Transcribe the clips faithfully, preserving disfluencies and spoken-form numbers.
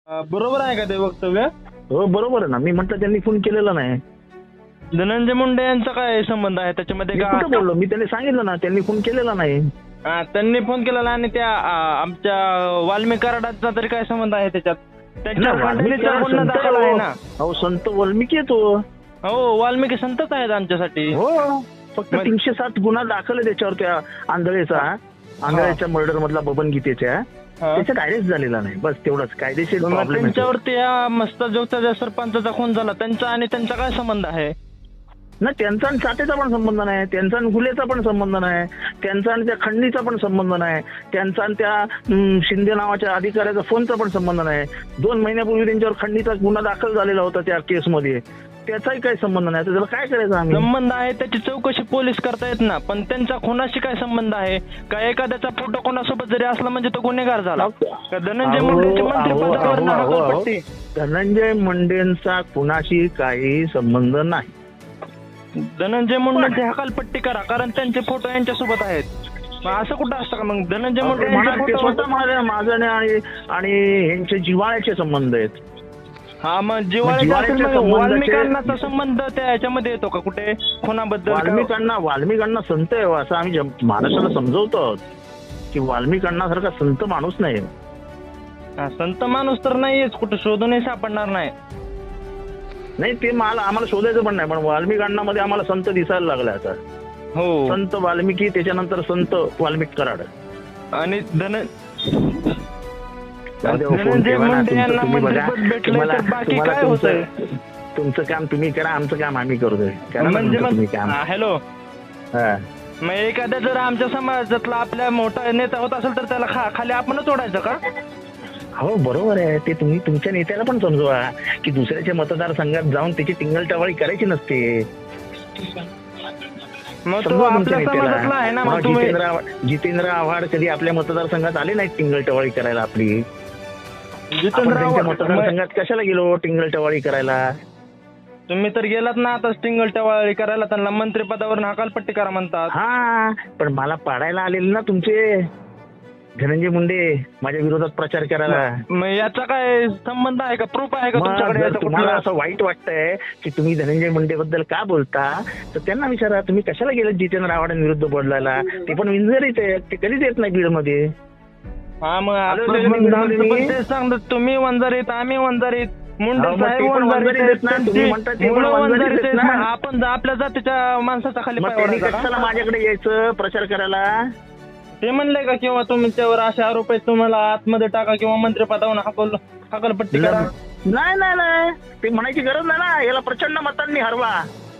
अं, बरोबर आहे का ते वक्तव्य? हो बरोबर आहे ना, मी म्हटलं त्यांनी फोन केलेला नाही. धनंजय मुंडे यांचा काय संबंध आहे त्याच्यामध्ये? मी का कुठं बोललो? मी त्यांनी सांगितलं ना, त्यांनी फोन केलेला नाही. हा, त्यांनी फोन केलेला आणि त्या आ, आमच्या वाल्मिक कराडाचा तरी काय संबंध आहे त्याच्यात? त्यांच्या ना, वाल्मिकी खंडणीचा गुन्हा संत दाखल आहे ना. हो, संत वाल्मिकी येतो. हो, वाल्मिकी संतच आहेत आमच्यासाठी. हो, फक्त मग- तीनशे सात गुन्हा दाखल आहे त्याच्यावर, त्या आंधळेचा आंधळेच्या मर्डर मधला बबन गीतेच्या. हा. त्याच्यात अरेस्ट झालेला नाही, बस तेवढंच कायदेशीर मग प्रॉब्लेम आहे. त्यांच्यावरती या मस्ताजोगचा ज्या सरपंचाचा खून झाला त्यांचा आणि त्यांचा काय संबंध आहे? ना, त्यांचा आणि साठेचा पण संबंध नाही, त्यांचा आणि हुलेचा पण संबंध नाही, त्यांचा आणि त्या खंडणीचा पण संबंध नाही, त्यांचा आणि त्या हम्म, शिंदे नावाच्या अधिकाऱ्याचा फोनचा पण संबंध नाही. दोन महिन्यापूर्वी त्यांच्यावर खंडणीचा गुन्हा दाखल झालेला होता त्या केसमध्ये, त्याचाही काही संबंध नाही. तर त्याला काय करायचं आम्ही? संबंध आहे त्याची चौकशी पोलीस करतायत ना, पण त्यांचा खुनाशी काय संबंध आहे? का एखाद्याचा फोटो कोणासोबत जरी असला म्हणजे तो गुन्हेगार झाला? का धनंजय अहो, मुंडेची अहो, मंत्रिपदावर अहो, अहो, अहो. हकालपट्टी? धनंजय मुंडेंचा कुणाशी काही संबंध नाही. धनंजय मुंडेची हकालपट्टी करा, कारण त्यांचे फोटो यांच्यासोबत आहेत. मग असं कुठं असतं का? मग धनंजय मुंडे म्हणा, यांचे ते फोटो- स्वतः म्हणाले माझं आणि आणि ह्यांचे जिव्हाळ्याचे संबंध आहेत. हा, मग जिव्हाळ्याचे जिव्हाळ्याच्या असेल, मग संबंधाचे- वाल्मिकांनाचा संबंध त्या ह्याच्यामध्ये येतो का कुठे खुनाबद्दल? का- वाल्मिकांना वाल्मिकांना संत आहे असं आम्ही जम- महाराष्ट्राला समजवतो आहोत की वाल्मिकांना संत माणूस नाही. हा, संत माणूस तर नाहीयेच, कुठे शोधूनही सापडणार नाही. नाही, ते मला आम्हाला शोधायचं पण नाही, पण वाल्मिकांना मध्ये आम्हाला संत दिसायला लागला आता. हो, संत वाल्मिकी, त्याच्यानंतर संत वाल्मिक कराड. आणि धन जाऊ दे, हो, फोन धनंजय ठेवा ना. मुंडे तुमचं यांना तुम्ही बघा. मंत्रिपद भेटलंय तुम्हाला तर बाकी तुम्हाला काय तुमचं होतंय? तुमचं काम तुम्ही करा, आमचं काम आम्ही करतोय. करा ना म्हणजे तुमचं तुम्ही मग काम. हॅलो, हा. मग एखाद्या जर आमच्या समाजातला आपल्या मोठा नेता होत असेल तर त्याला खा खाली आपणच ओढायचं का? हो बरोबर आहे, ते तुम्ही तुमच्या नेत्याला पण समजवा की दुसऱ्याच्या मतदारसंघात जाऊन त्याची टिंगलटवाळी करायची नसते. मग तो समजवा तुमच्या आपल्या समाजातला नेत्याला. आहे ना. हा, मग तुम्ही जितेंद्र आव्हाड- जितेंद्र आव्हाड कधी आपल्या मतदारसंघात आले नाहीत टिंगलटवाळी करायला आपली. आपण जितेंद्र त्यांच्या आव्हाड- मतदारसंघात कशाला गेलो टिंगलटवाळी करायला? तुम्ही तर गेलात ना आता स्टिंगल टवाळी करायला, त्यांना मंत्रिपदावर हकालपट्टी करा म्हणतात. हा, पण मला पाडायला आलेले ना तुमचे धनंजय मुंडे माझ्या विरोधात प्रचार करायला. मग याचा काय संबंध आहे का? प्रूफ आहे का मग तुमच्याकडे जर याचा तुम्हाला कुठला? असं वाईट वाटतंय की तुम्ही धनंजय मुंडे बद्दल का बोलता, तर त्यांना विचारा तुम्ही कशाला गेले जितेंद्र आव्हाडांविरुद्ध बोलायला. ते पण विंजरीत आहेत, ते कधीच येत नाही बीडमध्ये. हा, मग आलो आपण होतो पण मी- आमचं मी- पण तेच सांगतो, तुम्ही वंजारीत आम्ही वंजारीत, मुंडे हा, मग साहेब ते पण वंजारीत वंजारीत आहेत, आहेत ना, तुम्ही त्यांची म्हणता ते पण मुलं वंजारीत वंजारीत आहेत आहेत. ना. मग आपण आपल्या जातीच्या माणसाचा खाली मग पाय त्यांनी ओढायचा कशाला का? माझ्याकडे यायचं प्रचार करायला? ते म्हणले का किंवा तुमच्यावर असे आरोप आहेत, तुम्हाला आतमध्ये टाका किंवा मंत्रिपदावर हकल हकलपट्टी करा? नाही नाही नाही, ते म्हणायची गरज नाही ना, याला प्रचंड मतांनी हरवा.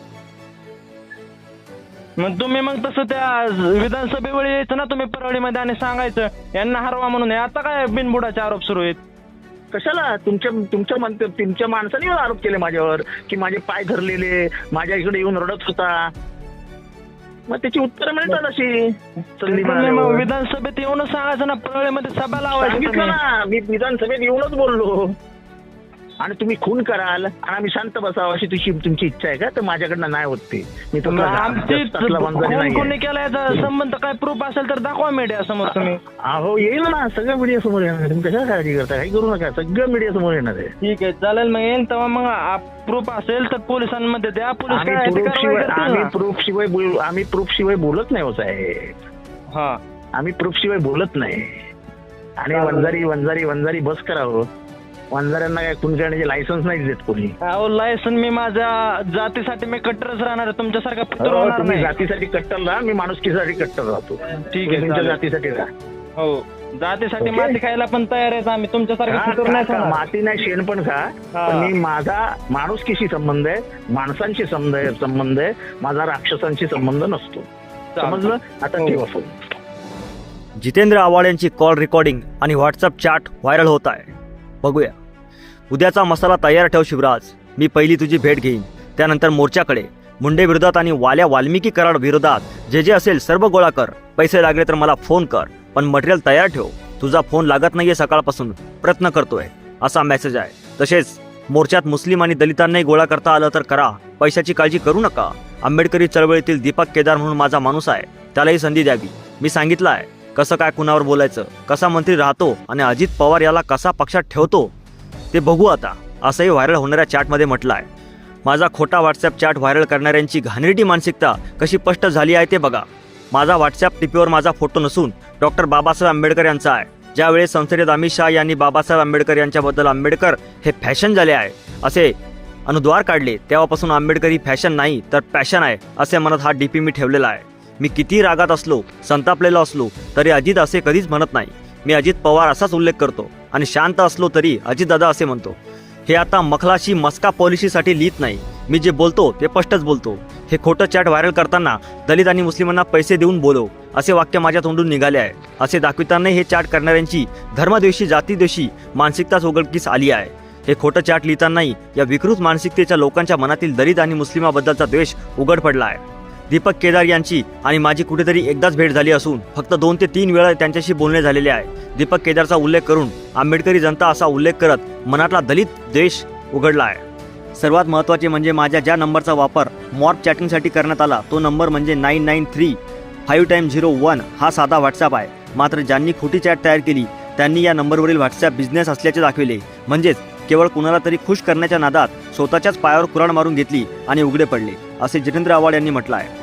मग तुम्ही मग तसं त्या विधानसभेवेळी यायचं ना तुम्ही परळीमध्ये आणि सांगायचं यांना हरवा म्हणून. हे आता काय बिनबुडाचे आरोप सुरू आहेत? कशाला? तुमच्या तुमच्या मन- तुमच्या माणसाने येऊन आरोप केले माझ्यावर की माझे पाय धरलेले, माझ्या इकडे येऊन रडत होता. मग त्याची उत्तरं मिळतात अशी संधी तुम्ही मग मिळाल्यावर. विधानसभेत येऊनच सांगायचं ना, परळीमध्ये सभा लावायची सांगितलं तुम्ही. ना, मी विधानसभेत येऊनच बोललो. आणि तुम्ही खून कराल आणि आम्ही शांत बसावं अशी तुझी तुमची इच्छा आहे का? तर माझ्याकडनं नाही होत ते. मी मग आमची तसला वंजारी कोण नाही. कोणी केला याचा संबंध काय प्रूफ असेल तर दाखवा मीडिया समोर तुम्ही. अहो येईल ना, सगळं मीडिया समोर येणार आहे. तुम्ही कशाला काळजी करता? काही करू नका, सगळं मीडिया समोर येणार आहे. ठीक आहे, चालेल. मग येईल तेव्हा मग प्रूफ असेल तर पोलिसांमध्ये द्या. पोलीस आम्ही काय आहे ते प्रूफ कारवाई शिवाय करतील आम्ही ना. प्रूफ शिवाय बोल आम्ही प्रूफ शिवाय बोलत नाही हो साहेब. हा, आम्ही प्रूफ शिवाय बोलत नाही. आणि वंजारी वंजारी वंजारी बस करावं. वंजाऱ्यांना काय खून करण्याचे लायसन्स नाही देत कोणी. अहो लायसन मी माझ्या जातीसाठी मी कट्टरच राहणार आहे, तुमच्यासारखा फितूर हो, होणार तुम्ही नाही. जातीसाठी कट्टर राहा, मी माणुसकीसाठी कट्टर राहतो. ठीक आहे, तुम्ही तुमच्या चालेल. जातीसाठी राहा. हो, जातीसाठी ओके. माती खायला पण तयार आहेत आम्ही, तुमच्यासारखे खा, फितूर खा, नाही खा. खाणार. माती नाही शेण पण खा. हा. पण मी माझा माणुसकीशी संबंध आहे, माणसांशी संबंध आहे संबंध आहे माझा राक्षसांशी संबंध नसतो. समजलं? आता हो. ठेवा फोन. जितेंद्र आव्हाड यांची कॉल रेकॉर्डिंग आणि व्हॉट्सअप चॅट व्हायरल होत आहे. बघूया. उद्याचा मसाला तयार ठेव शिवराज. मी पहिली तुझी भेट घेईन, त्यानंतर मोर्चाकडे. मुंडे विरोधात आणि वाल्या वाल्मिकी कराड विरोधात जे जे असेल सर्व गोळा कर. पैसे लागले तर मला फोन कर, पण मटेरियल तयार ठेव. तुझा फोन लागत नाहीये सकाळपासून, प्रयत्न करतोय, असा मेसेज आहे. तसेच मोर्चात मुस्लिम आणि दलितांनाही गोळा करता आलं तर करा, पैशाची काळजी करू नका. आंबेडकरी चळवळीतील दीपक केदार म्हणून माझा माणूस आहे, त्यालाही संधी द्यावी. मी सांगितलं आहे कसं काय कुणावर बोलायचं, कसा मंत्री राहतो आणि अजित पवार याला कसा पक्षात ठेवतो. ते बघू आता, असंही व्हायरल होणाऱ्या चॅटमध्ये म्हटलं आहे. माझा खोटा व्हॉट्सॲप चॅट व्हायरल करणाऱ्यांची घाणेरडी मानसिकता कशी स्पष्ट झाली आहे ते बघा. माझा व्हॉट्सॲप टिपीवर माझा फोटो नसून डॉक्टर बाबासाहेब आंबेडकर यांचा आहे. ज्यावेळेस संसदेत अमित शहा यांनी बाबासाहेब आंबेडकर यांच्याबद्दल आंबेडकर हे फॅशन झाले आहे असे अनुद्वार काढले, तेव्हापासून आंबेडकर ही फॅशन नाही तर पॅशन आहे असे म्हणत हा डीपी मी ठेवलेला आहे. मी किती रागात असलो, संतापलेलो असलो तरी अजित असे कधीच म्हणत नाही. मी अजित पवार असाच उल्लेख करतो आणि शांत असलो तरी अजितदादा असे म्हणतो. हे आता मखलाशी मस्का पॉलिसीसाठी लिहित नाही. मी जे बोलतो ते स्पष्टच बोलतो. हे खोटं चॅट व्हायरल करताना दलित आणि मुस्लिमांना पैसे देऊन बोलव असे वाक्य माझ्या तोंडून निघाले आहे असे दाखविताना हे चॅट करणाऱ्यांची धर्मद्वेषी जातीद्वेषी मानसिकताच उघडकीस आली आहे. हे खोटं चॅट लिहितानाही या विकृत मानसिकतेच्या लोकांच्या मनातील दलित आणि मुस्लिमाबद्दलचा द्वेष उघड पडला आहे. दीपक केदार यांची आणि माझी कुठेतरी एकदाच भेट झाली असून फक्त दोन ते तीन वेळा त्यांच्याशी बोलणे झालेले आहे. दीपक केदारचा उल्लेख करून आंबेडकरी जनता असा उल्लेख करत मनातला दलित द्वेष उघडला आहे. सर्वात महत्त्वाचे म्हणजे माझ्या ज्या नंबरचा वापर मॉर्फ चॅटिंगसाठी करण्यात आला तो नंबर म्हणजे nine nine three five time zero one हा साधा व्हॉट्सॲप आहे. मात्र ज्यांनी खोटी चॅट तयार केली त्यांनी या नंबरवरील व्हॉट्सॲप बिझनेस असल्याचे दाखविले. म्हणजेच केवळ कुणाला तरी खुश करण्याच्या नादात स्वतःच्याच पायावर कुऱ्हाड मारून घेतली आणि उघडे पडले असे जितेंद्र आव्हाड यांनी म्हटलं आहे.